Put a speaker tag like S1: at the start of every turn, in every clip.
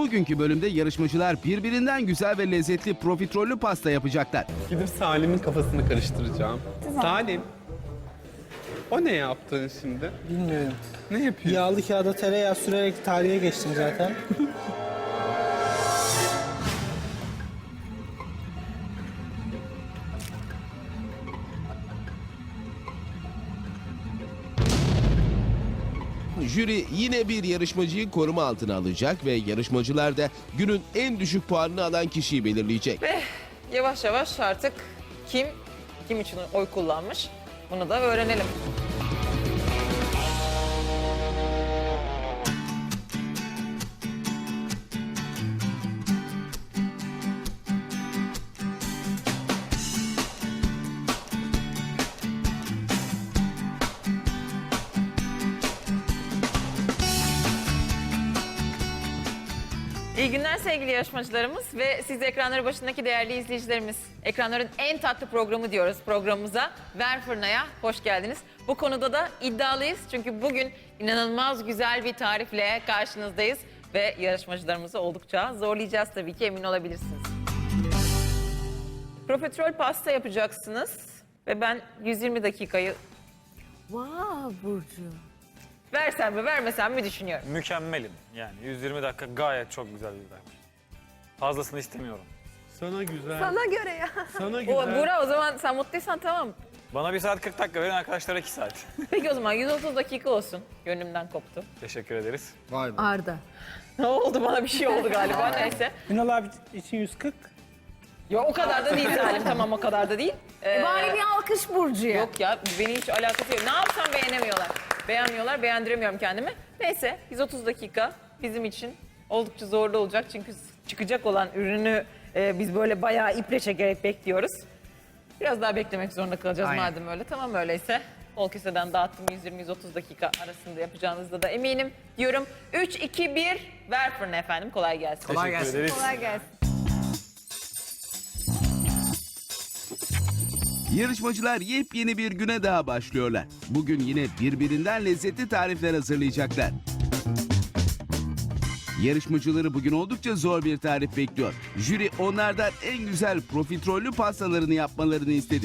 S1: Bugünkü bölümde yarışmacılar birbirinden güzel ve lezzetli profiterollü pasta yapacaklar.
S2: Gidip Salim'in kafasını karıştıracağım. Salim, o ne yaptın şimdi?
S3: Bilmiyorum.
S2: Ne yapıyorsun?
S3: Yağlı kağıda tereyağı sürerek tarihe geçtim zaten.
S4: Jüri yine bir yarışmacıyı koruma altına alacak ve yarışmacılar da günün en düşük puanını alan kişiyi belirleyecek.
S5: Ve yavaş yavaş artık kim için oy kullanmış bunu da öğrenelim. İyi günler sevgili yarışmacılarımız ve siz ekranları başındaki değerli izleyicilerimiz. Ekranların en tatlı programı diyoruz programımıza. Ver Fırına'ya hoş geldiniz. Bu konuda da iddialıyız çünkü bugün inanılmaz güzel bir tarifle karşınızdayız. Ve yarışmacılarımızı oldukça zorlayacağız tabii ki, emin olabilirsiniz. Profiterol pasta yapacaksınız ve ben 120 dakikayı
S6: Burcu.
S5: versem mi vermesem mi düşünüyorum.
S7: Mükemmelim. Yani 120 dakika gayet çok güzel bir dakika. Fazlasını istemiyorum.
S2: Sana güzel.
S6: Sana göre ya.
S2: Sana güzel.
S5: Buğra, o zaman sen mutluysan tamam.
S7: Bana 1 saat 40 dakika verin, arkadaşlara 2 saat.
S5: Peki o zaman 130 dakika olsun. Gönlümden koptu.
S7: Teşekkür ederiz.
S6: Arda.
S5: Ne oldu, bana bir şey oldu galiba, neyse.
S3: Ünal abi için 140.
S5: Yok o kadar da değil Salim, tamam o kadar da değil.
S6: Bari bir alkış Burcu'ya.
S5: Yok ya, beni hiç alakası yok. Ne yapsam beğenemiyorlar. Beğenmiyorlar, beğendiremiyorum kendimi. Neyse 130 dakika bizim için oldukça zorlu olacak. Çünkü çıkacak olan ürünü biz böyle bayağı iple çekerek bekliyoruz. Biraz daha beklemek zorunda kalacağız madem öyle. Tamam öyleyse. Bol keseden dağıttım, 120-130 dakika arasında yapacağınızda da eminim diyorum. 3, 2, 1 ver fırına efendim, kolay gelsin.
S7: Teşekkür ederiz.
S6: Kolay gelsin.
S1: Yarışmacılar yepyeni bir güne daha başlıyorlar. Bugün yine birbirinden lezzetli tarifler hazırlayacaklar. Yarışmacıları bugün oldukça zor bir tarif bekliyor. Jüri onlardan en güzel profiterollü pastalarını yapmalarını istedi.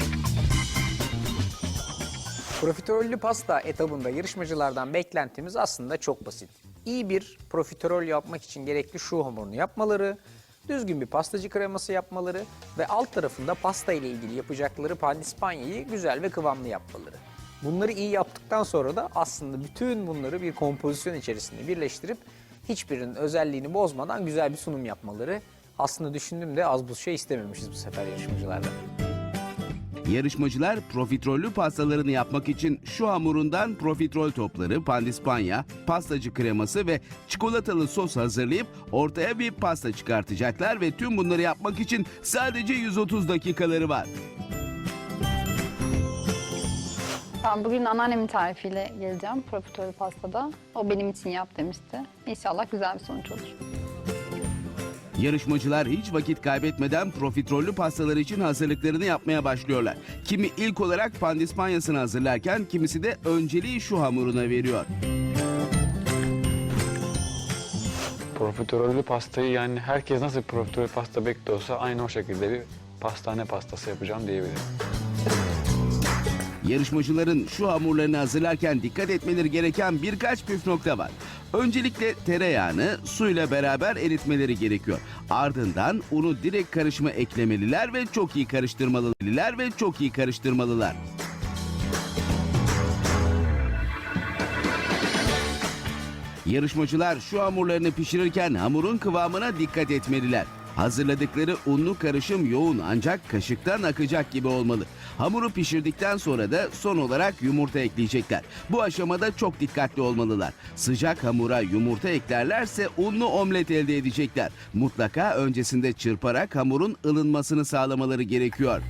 S8: Profiterollü pasta etabında yarışmacılardan beklentimiz aslında çok basit. İyi bir profiterol yapmak için gerekli şu hamurunu yapmaları, düzgün bir pastacı kreması yapmaları ve alt tarafında pasta ile ilgili yapacakları pandispanyayı güzel ve kıvamlı yapmaları. Bunları iyi yaptıktan sonra da aslında bütün bunları bir kompozisyon içerisinde birleştirip hiçbirinin özelliğini bozmadan güzel bir sunum yapmaları. Aslında düşündüğümde az buz şey istememişiz bu sefer yarışmacılardan.
S1: Yarışmacılar profiterollü pastalarını yapmak için şu hamurundan profiterol topları, pandispanya, pastacı kreması ve çikolatalı sos hazırlayıp ortaya bir pasta çıkartacaklar ve tüm bunları yapmak için sadece 130 dakikaları var.
S9: Ben bugün anneannemin tarifiyle geleceğim profiterol pastada. O benim için yap demişti. İnşallah güzel bir sonuç olur.
S1: Yarışmacılar hiç vakit kaybetmeden profiterollü pastalar için hazırlıklarını yapmaya başlıyorlar. Kimi ilk olarak pandispanyasını hazırlarken kimisi de önceliği şu hamuruna veriyor.
S10: Profiterollü pastayı, yani herkes nasıl profiterol pasta bekliyorsa aynı o şekilde bir pastane pastası yapacağım diyebilirim.
S1: Yarışmacıların şu hamurlarını hazırlarken dikkat etmeleri gereken birkaç püf nokta var. Öncelikle tereyağını suyla beraber eritmeleri gerekiyor. Ardından unu direkt karışıma eklemeliler ve çok iyi karıştırmalılar. Yarışmacılar şu hamurlarını pişirirken hamurun kıvamına dikkat etmeliler. Hazırladıkları unlu karışım yoğun ancak kaşıktan akacak gibi olmalı. Hamuru pişirdikten sonra da son olarak yumurta ekleyecekler. Bu aşamada çok dikkatli olmalılar. Sıcak hamura yumurta eklerlerse unlu omlet elde edecekler. Mutlaka öncesinde çırparak hamurun ılınmasını sağlamaları gerekiyor.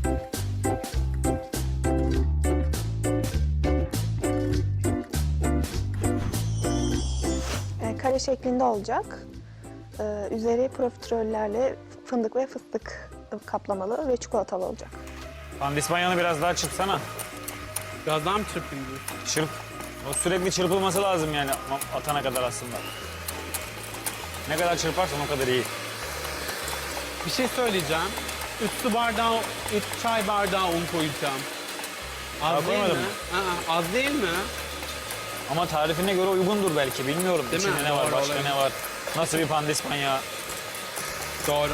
S11: Kare şeklinde olacak. Üzeri profiterollerle fındık ve fıstık kaplamalı ve çikolatalı olacak.
S7: Pandispanyanı biraz daha çırpsana.
S2: Biraz daha mı çırpayım diyorsun?
S7: Çırp. O sürekli çırpılması lazım yani atana kadar aslında. Ne kadar çırparsan o kadar iyi.
S2: Bir şey söyleyeceğim. 3 çay bardağı un koyacağım. Az
S7: Daha
S2: değil mi?
S7: koymadın mı?
S2: Az değil mi?
S7: Ama tarifine göre uygundur belki. Bilmiyorum.
S2: Değil mi?
S7: İçinde ne var,
S2: Doğru,
S7: başka
S2: olabilir.
S7: ne var. Nasıl bir pandispanya?
S2: Doğru.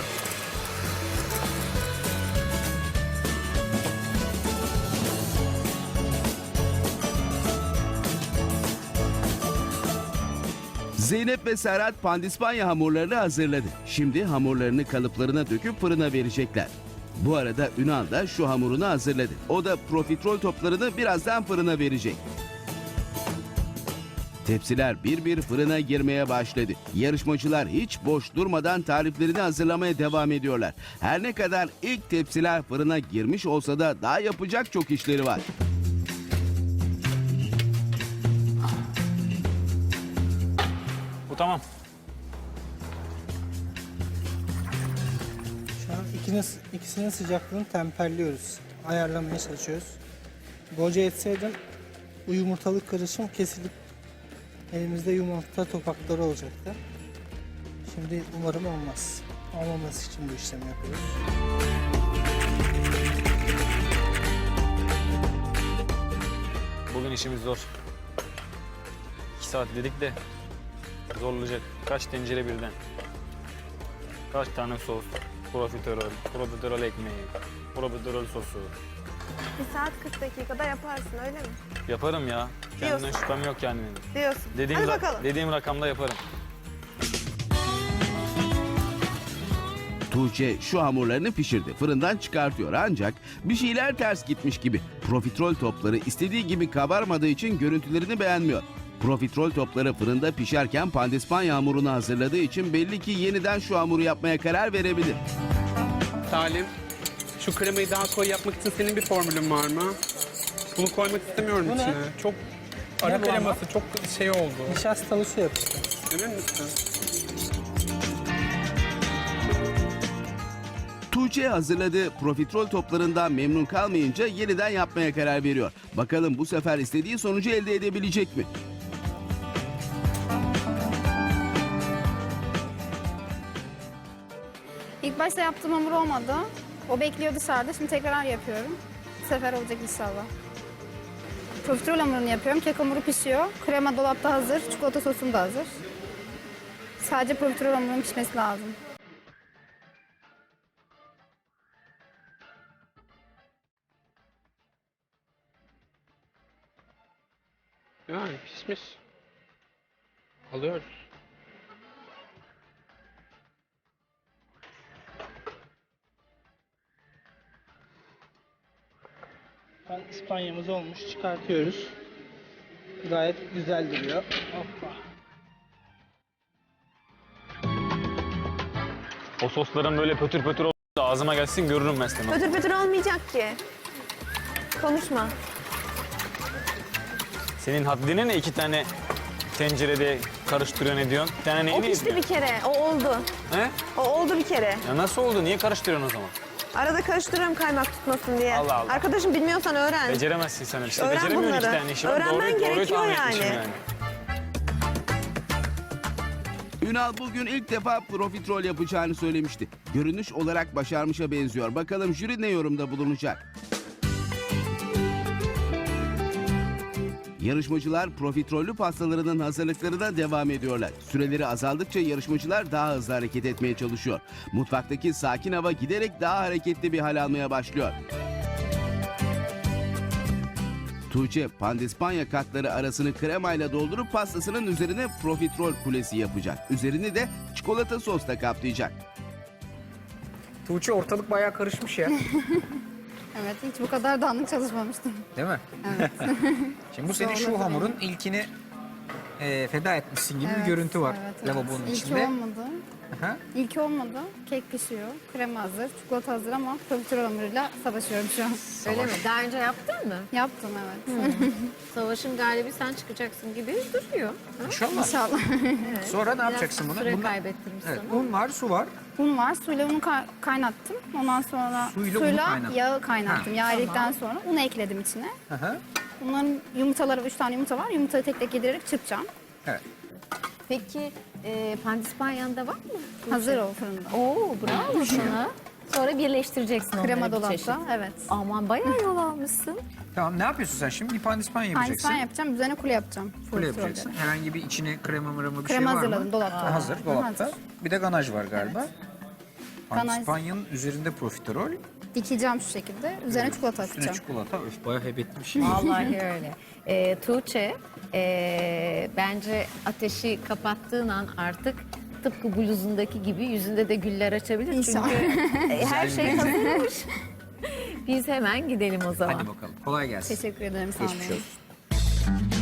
S1: Zeynep ve Serhat pandispanya hamurlarını hazırladı. Şimdi hamurlarını kalıplarına döküp fırına verecekler. Bu arada Ünal da şu hamurunu hazırladı. O da profiterol toplarını birazdan fırına verecek. Tepsiler bir bir fırına girmeye başladı. Yarışmacılar hiç boş durmadan tariflerini hazırlamaya devam ediyorlar. Her ne kadar ilk tepsiler fırına girmiş olsa da daha yapacak çok işleri var.
S7: Bu tamam.
S3: Şu an ikisinin sıcaklığını temperliyoruz. Ayarlamaya çalışıyoruz. Boca etseydim bu yumurtalık karışım kesilip elimizde yumurta topakları olacaktı. Şimdi umarım olmaz. Olmaması için bu işlemi yapıyoruz.
S7: Bugün işimiz zor. 2 saat dedik de zorlayacak. Kaç tencere birden. Kaç tane sos. Profiterol ekmeği, profiterol sosu.
S11: 1 saat 40 dakikada yaparsın öyle mi?
S7: Yaparım ya. Kendimden
S11: Diyorsun.
S7: şüphem yok yani benim.
S11: Diyorsun. Hadi bakalım.
S7: Dediğim rakamda yaparım.
S1: Tuğçe şu hamurlarını pişirdi. Fırından çıkartıyor ancak bir şeyler ters gitmiş gibi. Profiterol topları istediği gibi kabarmadığı için görüntülerini beğenmiyor. Profiterol topları fırında pişerken pandispanya hamurunu hazırladığı için belli ki yeniden şu hamuru yapmaya karar verebilir.
S2: Salim, şu kremayı daha koyu yapmak için senin bir formülün var mı? Bunu koymak istemiyorum
S3: Bu ne?
S2: içine. Çok ara
S3: Ne bu ama?
S2: kreması çok şey oldu.
S3: Nişastalı su yapıştı.
S2: Emin misin?
S1: Tuğçe hazırladığı profiterol toplarından memnun kalmayınca yeniden yapmaya karar veriyor. Bakalım bu sefer istediği sonucu elde edebilecek mi?
S9: İlk başta yaptığım hamur olmadı. O bekliyor dışarıda. Şimdi tekrar yapıyorum. Bu sefer olacak inşallah. Profiterol hamurunu yapıyorum. Kek hamuru pişiyor. Krema dolapta hazır. Çikolata sosum da hazır. Sadece profiterol hamurunun pişmesi lazım.
S2: Yani pişmiş. Alıyoruz.
S3: İspanyamız olmuş. Çıkartıyoruz. Gayet güzel duruyor. Hoppa.
S7: O sosların böyle pötür pötür olduğu da ağzıma gelsin görürüm ben seni.
S11: Pötür pötür olmayacak ki. Konuşma.
S7: Senin haddine ne 2 tane tencerede karıştırıyor ne diyorsun? Bir tane
S11: O
S7: neyini
S11: pişti bir
S7: yedin?
S11: kere. O oldu.
S7: He?
S11: O oldu bir kere.
S7: Ya nasıl oldu? Niye karıştırıyorsun o zaman?
S11: Arada karıştırıyorum kaymak tutmasın diye.
S7: Allah Allah.
S11: Arkadaşım bilmiyorsan öğren.
S7: Beceremezsin sen işte.
S11: Öğren
S7: Beceremiyorsun 2
S11: bunları.
S7: tane işi var.
S11: Öğrenmen gerekiyor
S7: tahmin
S11: yani.
S7: etmişim
S1: Ünal bugün ilk defa profiterol yapacağını söylemişti. Görünüş olarak başarmışa benziyor. Bakalım jüri ne yorumda bulunacak? Yarışmacılar profiterollü pastalarının hazırlıklarına devam ediyorlar. Süreleri azaldıkça yarışmacılar daha hızlı hareket etmeye çalışıyor. Mutfaktaki sakin hava giderek daha hareketli bir hal almaya başlıyor. Tuğçe pandispanya katları arasını kremayla doldurup pastasının üzerine profiterol kulesi yapacak. Üzerini de çikolata sosla kaplayacak.
S8: Tuğçe ortalık bayağı karışmış ya.
S9: Evet, hiç bu kadar dağınık çalışmamıştım.
S8: Değil mi?
S9: Evet.
S8: Şimdi bu senin şu hamurun ilkini feda etmişsin gibi bir görüntü var lavabonun
S9: İlki
S8: içinde.
S9: olmadı.
S8: Aha.
S9: İlki olmadı. Kek pişiyor. Krema hazır. Çikolata hazır ama profiterol hamuruyla savaşıyorum şu an.
S6: Öyle mi? Daha önce yaptın mı?
S9: Yaptım evet.
S6: Savaşın galibi sen çıkacaksın gibi duruyor.
S8: İnşallah.
S9: İnşallah.
S8: Sonra ne yapacaksın bunu?
S6: Süre
S8: Bundan-
S6: kaybettirmiş
S8: Evet,
S6: sana.
S8: un var, su var.
S9: Un var. Suyla unu kaynattım. Ondan sonra
S8: Suyla unu kaynattın.
S9: yağı kaynattım. Yağ eridikten sonra unu ekledim içine.
S8: Aha.
S9: Bunların yumurtaları, 3 tane yumurta var. Yumurtayı tek tek yedirerek çırpacağım.
S8: Evet.
S6: Peki Pandispanyan da var mı?
S9: Hazır o fırında.
S6: Oo bravo sana. Sonra birleştireceksin onları
S9: Krema
S6: bir çeşit.
S9: dolapta, evet.
S6: Aman bayağı yol almışsın.
S8: Tamam, ne yapıyorsun sen şimdi? Bir pandispanya yapacaksın.
S9: Pandispanya yapacağım, üzerine kule yapacağım.
S8: Kule
S9: Profiterolde.
S8: yapacaksın. Herhangi bir içine krema mırama bir
S9: Krema
S8: şey var mı?
S9: hazırladım, dolapta.
S8: Hazır, dolapta.
S9: Hazır.
S8: Bir de ganaj var galiba.
S9: Ganaj.
S8: Pandispanyanın üzerinde profiterol,
S9: Dikeceğim şu şekilde. Üzerine çikolata
S8: üstüne
S9: atacağım.
S8: çikolata. Öf, bayağı hebetli bir şey.
S6: Vallahi öyle. Tuğçe, bence ateşi kapattığın an artık tıpkı bluzundaki gibi yüzünde de güller açabilir.
S9: İnşallah.
S6: Çünkü her şey hazırmış. Biz hemen gidelim o zaman.
S8: Hadi bakalım. Kolay gelsin.
S9: Teşekkür ederim. Sağ olun.
S8: Geçmiş olsun.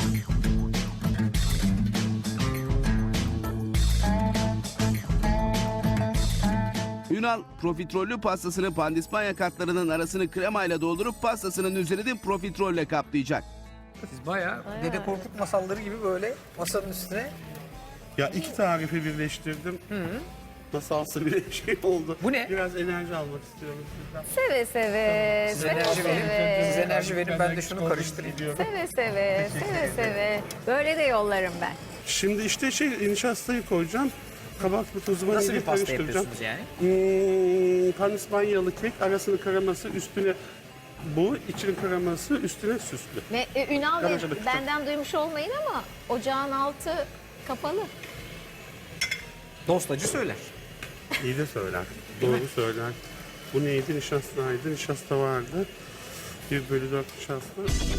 S1: Ünal profiterollü pastasını pandispanya katlarının arasını kremayla doldurup pastasının üzerini profiterolle kaplayacak.
S8: Siz bayağı Dede Korkut masalları gibi böyle masanın üstüne.
S12: Ya iki tarifi birleştirdim. Nasıl alsa bir şey oldu.
S8: Bu ne?
S12: Biraz enerji almak istiyorum sizden.
S6: Seve seve.
S8: Siz
S6: Seve
S8: enerji verin.
S6: seve.
S8: Siz enerji verin, ben de şunu karıştırayım.
S6: Seve seve. Seve seve. Böyle de yollarım ben.
S12: Şimdi işte nişastayı koyacağım. Kabartma tozu
S8: Nasıl bir
S12: vanilya
S8: pasta
S12: karıştıracağım.
S8: yapıyorsunuz yani?
S12: Panispanyalı kek, arasının kreması, üstüne bu, için kreması, üstüne süslü.
S6: Ve Ünal Bey,
S12: Garaja bakacağım.
S6: benden duymuş olmayın ama ocağın altı kapalı.
S8: Dostacı söyler.
S12: İyi de söyler. Doğru söyler. Bu neydi? Nişastaydı. Nişasta vardı. 1/4 nişasta.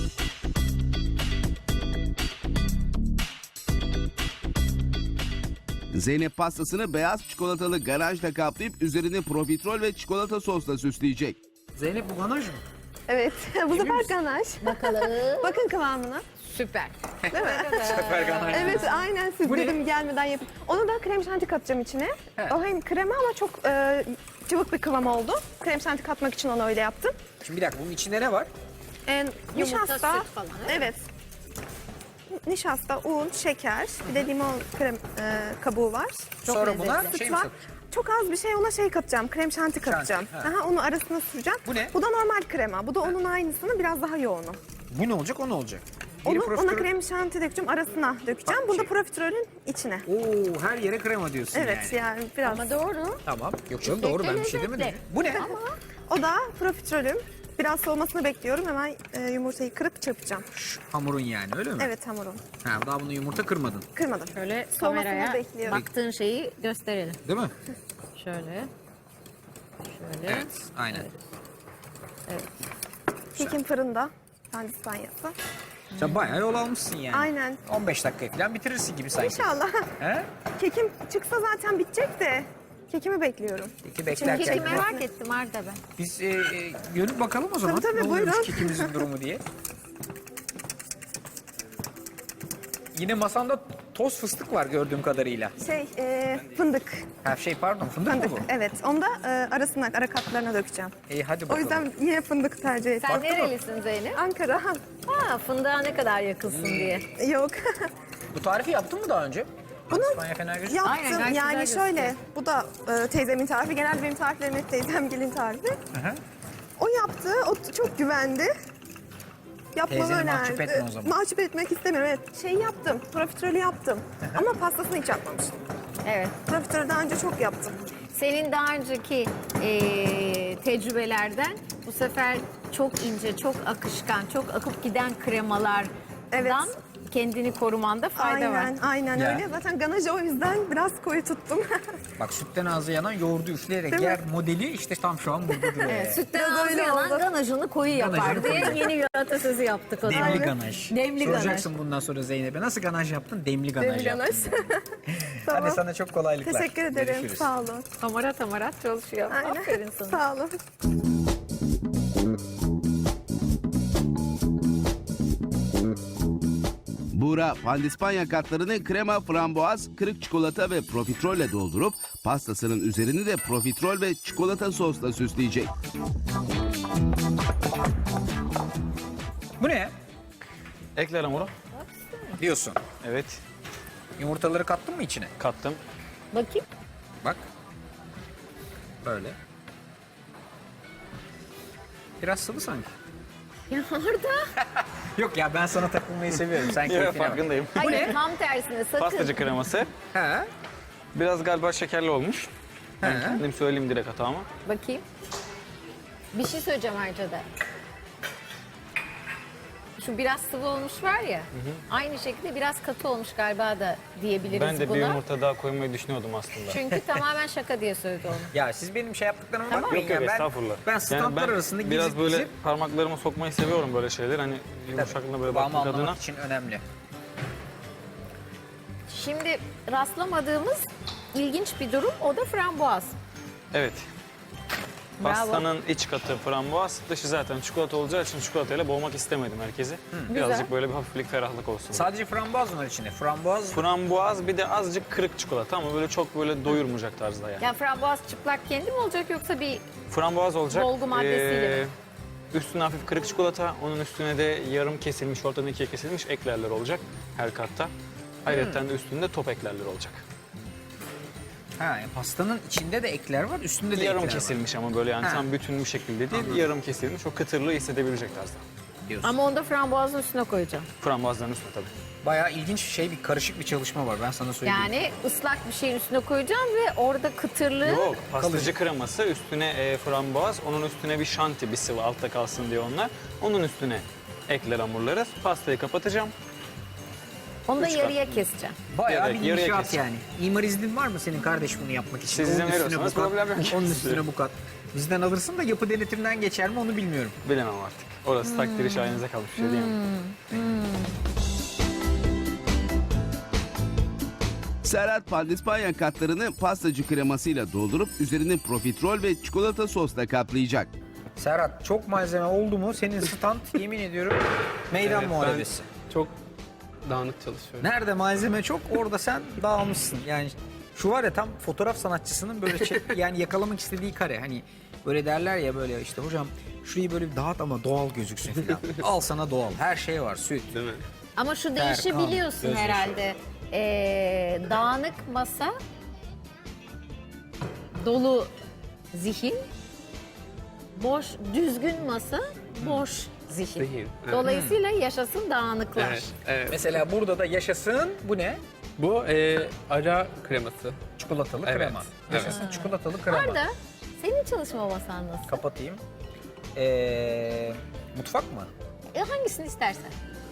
S1: Zeynep pastasını beyaz çikolatalı ganajla kaplayıp üzerini profiterol ve çikolata sosla süsleyecek.
S8: Zeynep, bu ganaj mı?
S11: Evet, bu sefer ganaj.
S6: Bakalım.
S11: Bakın kıvamına.
S6: Süper.
S11: Değil mi?
S8: Sefer ganaj.
S11: Evet, aynen siz
S8: Bu ne?
S11: dedim gelmeden yapın. Onu da krem şanti katacağım içine.
S8: Evet.
S11: O hem krema ama çok cıvık bir kıvam oldu. Krem şanti katmak için onu öyle yaptım.
S8: Şimdi bir dakika, bunun içinde ne var?
S11: Nişasta,
S6: süt falan,
S11: evet. Nişasta, un, şeker, bir de limon krem kabuğu var.
S8: Sonra buna
S11: Süt
S8: şey mi
S11: var.
S8: satıyorsun?
S11: Çok az bir şey ona katacağım, krem şanti katacağım.
S8: ha.
S11: Aha, onu arasına süreceğim.
S8: Bu ne?
S11: Bu da normal krema. Bu da onun aynısını biraz daha yoğunu.
S8: Bu ne olacak, o ne olacak? Biri
S11: Ona
S8: profiterol-
S11: krem şanti dökeceğim, arasına dökeceğim.
S8: Bak,
S11: Bunu da
S8: şey.
S11: profiterolün içine.
S8: Oo, her yere krema diyorsun
S11: Evet,
S8: yani.
S11: yani biraz.
S6: Ama doğru.
S8: Tamam. Yok canım, doğru, ben bir şey demedim.
S6: Lezzetli.
S8: Bu ne?
S11: O da profiterolüm. Biraz soğumasını bekliyorum. Hemen yumurtayı kırıp çırpacağım.
S8: Hamurun yani, öyle mi?
S11: Evet, hamurun.
S8: Ha, daha bunu yumurta kırmadın.
S11: Kırmadım.
S6: Şöyle
S11: Soğumasını
S6: kameraya
S11: bekliyorum.
S6: baktığın şeyi gösterelim.
S8: Değil mi?
S6: Şöyle. Şöyle.
S8: Evet, aynen.
S11: Kekim fırında. Pandispanyası.
S8: Sen bayağı yol almışsın yani.
S11: Aynen.
S8: 15 dakika falan bitirirsin gibi sanki.
S11: İnşallah.
S8: He?
S11: Kekim çıksa zaten bitecek de. Kekimi bekliyorum.
S8: Peki beklerken.
S6: Keki merak ettim Arda ben.
S8: Biz görüp bakalım o zaman.
S11: Tabii,
S8: ne oluyormuş
S11: buyurun.
S8: kekimizin durumu diye. Yine masanda toz fıstık var gördüğüm kadarıyla.
S11: Fındık.
S8: Ha pardon, fındık mı
S11: Fındık.
S8: bu?
S11: Evet. Onu da arasına, ara katlarına dökeceğim.
S8: İyi, hadi
S11: O
S8: bakalım.
S11: yüzden yine fındık tercih ettim.
S6: Sen nerelisin Zeynep?
S11: Ankara.
S6: Ha, fındığa ne kadar yakınsın diye.
S11: Yok.
S8: Bu tarifi yaptın mı daha önce? İspanya fena gözüküyor.
S6: Aynen,
S11: Yaptım.
S6: gayet
S11: Yani
S6: güzel
S11: şöyle.
S6: gözüküyor.
S11: Bu da teyzemin tarifi. Genelde benim tariflerim hep teyzemgilin tarifi.
S8: Hı.
S11: O yaptı. O çok güvendi. Yapmamı
S8: Teyzeni
S11: önerdi.
S8: mahcup etme o zaman.
S11: Mahcup etmek istemiyorum. Evet. Şey yaptım. Profiterolü yaptım. Ama pastasını hiç yapmamıştım.
S6: Evet.
S11: Profiterolü daha önce çok yaptım.
S6: Senin daha önceki tecrübelerden bu sefer çok ince, çok akışkan, çok akıp giden kremalardan
S11: Evet.
S6: kendini korumanda fayda var.
S11: Aynen
S8: Ya.
S11: öyle. Zaten ganajı o yüzden biraz koyu tuttum.
S8: Bak, sütten ağzı yanan yoğurdu üfleyerek
S11: Değil mi?
S8: yer modeli işte tam şu an burada duruyor.
S6: Evet,
S8: yani.
S6: sütten
S11: Biraz
S6: ağzı
S11: öyle
S6: yanan
S11: oldu.
S6: ganajını koyu yapar
S8: Ganajını
S6: diye
S8: koyu.
S6: yeni bir atasözü yaptık o zaman.
S8: Demli ganaj.
S6: Demli ganaj.
S8: Soracaksın bundan sonra Zeynep'e, nasıl ganaj yaptın? Demli ganaj
S11: Demli
S8: yaptım.
S11: ganaj. Tamam.
S8: Hadi sana çok kolaylıklar.
S11: Teşekkür ederim.
S8: Görüşürüz.
S11: Sağ olun.
S6: Hamarat çalışıyor.
S11: Aynen.
S6: Aferin sana.
S11: Sağ olun.
S1: Buğra pandispanya katlarını krema, frambuaz, kırık çikolata ve profiterolle doldurup pastasının üzerini de profiterol ve çikolata sosla süsleyecek.
S8: Bu ne
S10: Ekler hamuru.
S8: diyorsun?
S10: Evet.
S8: Yumurtaları kattın mı içine?
S10: Kattım.
S6: Bakayım.
S8: Bak. Böyle. Biraz sıvı sanki.
S6: Ya Arda.
S8: Yok ya, ben sana takılmayı seviyorum. Sen
S7: Yok,
S8: keyfine bak.
S7: farkındayım.
S6: Hayır tam tersine sakın.
S7: Pastacı kreması.
S8: He.
S7: Biraz galiba şekerli olmuş. Ben
S8: He.
S7: kendim söyleyeyim direkt hatamı.
S6: Bakayım. Bir şey söyleyeceğim ayrıca da. Şu biraz sıvı olmuş var ya. Aynı şekilde biraz katı olmuş galiba da diyebiliriz
S7: Ben de
S6: buna.
S7: bir yumurta daha koymayı düşünüyordum aslında.
S6: Çünkü tamamen şaka diye söyledi onu.
S8: Ya siz benim şey yaptıklarıma
S6: Tamam.
S8: bakmayın
S7: Yok
S8: ya.
S7: yok,
S8: Ben,
S7: estağfurullah.
S8: ben standlar arasında gezip
S7: biraz böyle
S8: gezip
S7: parmaklarımı sokmayı seviyorum böyle şeyler. Hani yumuşaklığına böyle
S8: kıvamı
S7: bakmak adına.
S8: anlamak için önemli.
S6: Şimdi rastlamadığımız ilginç bir durum o da frambuaz.
S7: Evet.
S6: Bravo.
S7: Pastanın iç katı frambuaz, dışı zaten çikolata olacağı için çikolatayla boğmak istemedim herkesi. Birazcık böyle bir hafiflik, ferahlık olsun.
S8: Sadece frambuaz mı var içinde? Frambuaz
S7: Frambuaz bir de azıcık kırık çikolata ama böyle çok böyle doyurmayacak tarzda yani.
S6: Ya frambuaz çıplak kendi mi olacak yoksa bir
S7: Frambuaz olacak.
S6: Dolgu maddesiyle mi?
S7: Üstüne hafif kırık çikolata, onun üstüne de yarım kesilmiş, ortadan ikiye kesilmiş eklerler olacak her katta. Ayrıca de üstünde top eklerler olacak.
S8: pastanın içinde de ekler var, üstünde de
S7: Yarım
S8: ekler
S7: kesilmiş ama böyle yani
S8: Ha.
S7: tam bütün bir şekilde değil, yarım kesilmiş, o kıtırlığı hissedebilecek tarzda.
S8: var diyorsun.
S6: ama onu da frambuazın üstüne koyacağım.
S7: Frambuazların üstüne tabii.
S8: Bayağı ilginç bir karışık bir çalışma var, ben sana söyleyeyim.
S6: Yani ıslak bir şeyin üstüne koyacağım ve orada kıtırlığı
S7: Yok, pastacı kreması, üstüne frambuaz, onun üstüne bir şanti, bir sıvı altta kalsın diye onlar. Onun üstüne ekler hamurları, pastayı kapatacağım.
S6: onu da
S7: üç kat.
S6: yarıya keseceğim.
S8: Bayağı bir
S7: yarıya
S8: inşaat
S7: keseceğim.
S8: yani. İmar iznin var mı senin kardeş bunu yapmak için?
S7: Siz izin
S8: Onun üstüne
S7: veriyorsanız
S8: bu kat,
S7: problem yok.
S8: Onun üstüne bu kat. Bizden alırsın da yapı denetiminden geçer mi onu bilmiyorum.
S7: Bilemem artık. Orası takdiri şahinize kalmış bir şey diyemem.
S1: Serhat pandispanya katlarını pastacı kremasıyla doldurup üzerini profiterol ve çikolata sosla kaplayacak.
S8: Serhat, çok malzeme oldu mu senin stand yemin ediyorum meydan
S2: Evet,
S8: muharebesi.
S2: ben çok dağınık çalışıyorum.
S8: Nerede malzeme çok orada sen dağılmışsın. Yani şu var ya, tam fotoğraf sanatçısının böyle yani yakalamak istediği kare. Hani böyle derler ya, böyle işte hocam şurayı böyle bir dağıt ama doğal gözüksün falan. Al sana doğal. Her şey var, süt.
S2: Değil mi?
S6: Ama şu
S8: Ter,
S6: değişi
S8: kan,
S6: biliyorsun
S8: gözyaşı.
S6: herhalde. Dağınık masa, dolu zihin, boş, düzgün masa, boş zihin.
S2: Zihin, evet.
S6: Dolayısıyla yaşasın dağınıklar.
S2: Evet, evet.
S8: Mesela burada da yaşasın, bu ne?
S2: Bu ara kreması.
S8: Çikolatalı
S2: Evet,
S8: krema.
S2: evet.
S8: Yaşasın çikolatalı krema.
S6: Arda, senin çalışma masan nasıl?
S8: Kapatayım. Mutfak mı?
S6: Hangisini istersen.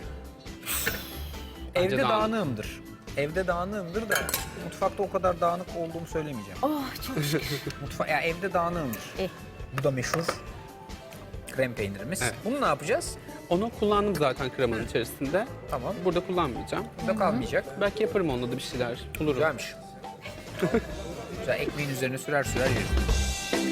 S2: Bence
S8: Evde
S2: dağınık.
S8: dağınığımdır. Evde dağınığımdır da mutfakta o kadar dağınık olduğumu söylemeyeceğim.
S6: Oh çok şükür.
S8: Ya evde dağınığımdır.
S6: Eh.
S8: Bu da meşhur krem peynirimiz.
S2: Evet.
S8: Bunu ne yapacağız?
S2: Onu kullandım zaten kremanın içerisinde.
S8: Tamam.
S2: Burada kullanmayacağım.
S8: Burada kalmayacak.
S2: Belki yaparım onunla da bir şeyler. Bulurum.
S8: Güzelmiş. Güzel, ekmeğin üzerine sürer yerim.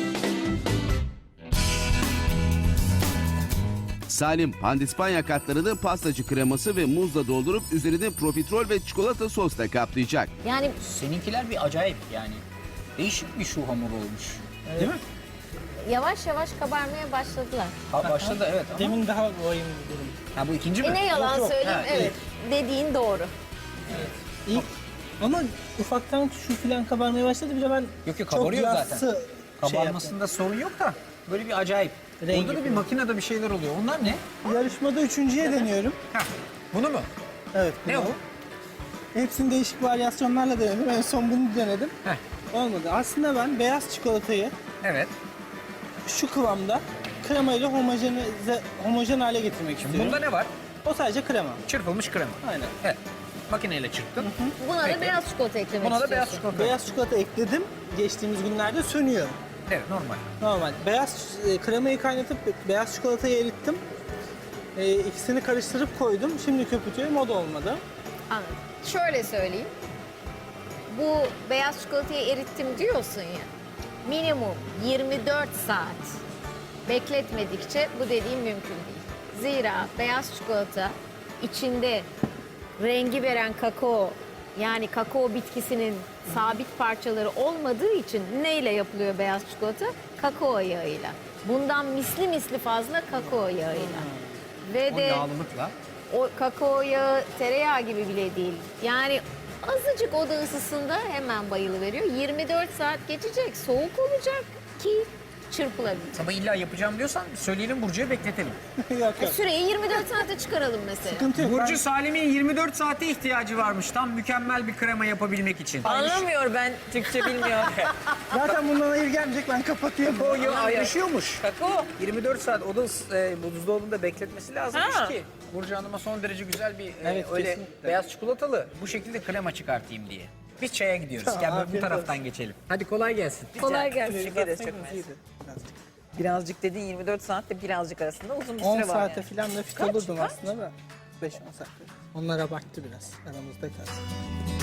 S1: Salim pandispanya katlarını pastacı kreması ve muzla doldurup üzerini profiterol ve çikolata sosla kaplayacak.
S6: Yani
S8: Seninkiler bir acayip yani. Değişik bir şu hamur olmuş. Değil mi?
S6: yavaş yavaş kabarmaya başladılar.
S8: Başladı evet ama.
S3: Demin daha vahim bir durum.
S8: Ha, bu ikinci mi?
S6: Ne yalan
S8: Yok, yok.
S6: söyleyeyim,
S8: Ha,
S6: evet. Dediğin doğru.
S3: İlk ama ufaktan şu filan kabarmaya başladı. Bir de ben
S8: Yok,
S3: çok
S8: kabarıyor zaten.
S3: yassı şey yaptım.
S8: Kabarmasında sorun yok da böyle bir acayip.
S3: Rengi
S8: Burada da bir
S3: falan.
S8: makinede bir şeyler oluyor. Onlar ne?
S3: Yarışmada üçüncüye deniyorum.
S8: Ha, bunu mu?
S3: Evet.
S8: Ne
S3: bunu.
S8: o?
S3: Hepsini değişik varyasyonlarla denedim. En son bunu denedim.
S8: Heh.
S3: Olmadı. Aslında ben beyaz çikolatayı
S8: Evet.
S3: şu kıvamda kremayla homojen hale getirmek istiyorum.
S8: Bunda ne var?
S3: O sadece krema.
S8: Çırpılmış krema.
S3: Aynen.
S8: Evet. Makineyle çırptın.
S6: Buna
S8: Peki.
S6: da beyaz çikolata eklemek
S8: Buna da
S6: istiyorsun.
S8: beyaz çikolata.
S3: Beyaz çikolata ekledim. Geçtiğimiz günlerde sönüyor.
S8: Evet, normal.
S3: Normal. Beyaz kremayı kaynatıp beyaz çikolatayı erittim. İkisini karıştırıp koydum. Şimdi köpürtüyorum. O da olmadı.
S6: Anladım. Şöyle söyleyeyim. Bu beyaz çikolatayı erittim diyorsun ya. Minimum 24 saat bekletmedikçe bu dediğim mümkün değil. Zira beyaz çikolata içinde rengi veren kakao, yani kakao bitkisinin sabit parçaları olmadığı için neyle yapılıyor beyaz çikolata? Kakao yağıyla. Bundan misli fazla kakao yağıyla. Ve
S8: O
S6: de
S8: yağlılıkla.
S6: o kakao yağı tereyağı gibi bile değil. Yani azıcık oda ısısında hemen bayılıveriyor. 24 saat geçecek, soğuk olacak ki çırpılabilir.
S8: Ama illa yapacağım diyorsan söyleyelim Burcu'ya bekletelim.
S3: Yok yok.
S6: Süreyi 24 saate çıkaralım mesela.
S3: Sıkıntı yok.
S8: Burcu Salim'in 24 saate ihtiyacı varmış tam mükemmel bir krema yapabilmek için.
S5: Anlamıyor, ben Türkçe bilmiyor.
S3: Zaten bundan hayır gelmeyecek, ben kapatıyorum.
S8: O ya ayrışıyormuş.
S5: Kakao.
S8: 24 saat o da buzdolabında bekletmesi lazımmış
S5: Ha.
S8: ki. Burcu Hanım'a son derece güzel bir
S3: Evet,
S8: öyle
S3: kesinlikle.
S8: beyaz çikolatalı bu şekilde krema çıkartayım diye. Biz çaya gidiyoruz. Gel böyle bu
S3: afiyet
S8: taraftan geçelim. Hadi kolay gelsin.
S5: Kolay gelsin.
S3: Teşekkür ederiz,
S5: Çok
S3: çok
S5: mersi.
S3: iyiydi.
S5: Birazcık dediğin 24 saatte birazcık arasında uzun bir
S3: 10
S5: süre var
S3: saate
S5: yani.
S3: falan da fit olurdum aslında da. 5-10 saatte. Onlara baktı biraz. Aramızda kalsın.